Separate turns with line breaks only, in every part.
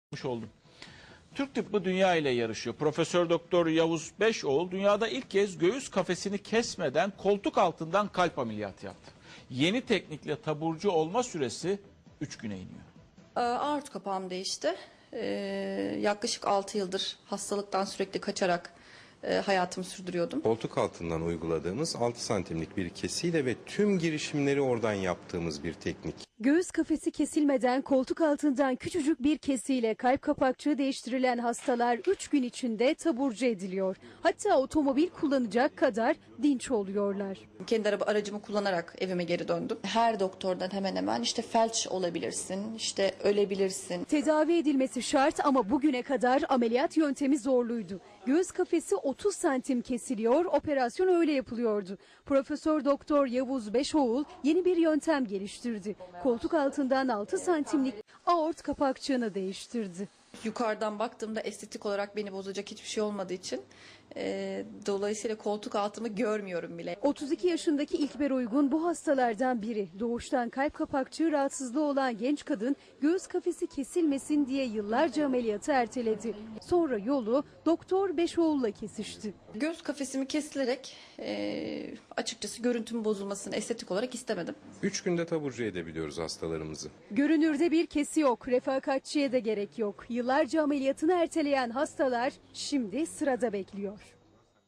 Oldum. Türk tıbbı dünya ile yarışıyor. Profesör Doktor Yavuz Beşoğlu dünyada ilk kez göğüs kafesini kesmeden koltuk altından kalp ameliyatı yaptı. Yeni teknikle taburcu olma süresi 3 güne iniyor.
Aort kapağım değişti. Yaklaşık 6 yıldır hastalıktan sürekli kaçarak hayatımı sürdürüyordum.
Koltuk altından uyguladığımız 6 santimlik bir kesiyle ve tüm girişimleri oradan yaptığımız bir teknik.
Göğüs kafesi kesilmeden koltuk altından küçücük bir kesiyle kalp kapakçığı değiştirilen hastalar 3 gün içinde taburcu ediliyor. Hatta otomobil kullanacak kadar dinç oluyorlar.
Kendi aracımı kullanarak evime geri döndüm. Her doktordan hemen hemen işte felç olabilirsin, işte ölebilirsin.
Tedavi edilmesi şart ama bugüne kadar ameliyat yöntemi zorluydu. Göğüs kafesi 30 santim kesiliyor, operasyon öyle yapılıyordu. Profesör Doktor Yavuz Beşoğlu yeni bir yöntem geliştirdi. Koltuk altından 6 santimlik aort kapakçığını değiştirdi.
Yukarıdan baktığımda estetik olarak beni bozacak hiçbir şey olmadığı için dolayısıyla koltuk altımı görmüyorum bile.
32 yaşındaki İlkber Uygun bu hastalardan biri. Doğuştan kalp kapakçığı rahatsızlığı olan genç kadın göğüs kafesi kesilmesin diye yıllarca ameliyatı erteledi. Sonra yolu Doktor Beşoğlu'la kesişti.
Göğüs kafesimi kesilerek açıkçası görüntümün bozulmasını estetik olarak istemedim.
3 günde taburcu edebiliyoruz hastalarımızı.
Görünürde bir kesi yok, refakatçiye de gerek yok. Yıllarca ameliyatını erteleyen hastalar şimdi sırada bekliyor.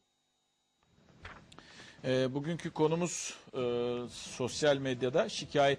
Bugünkü konumuz sosyal medyada şikayet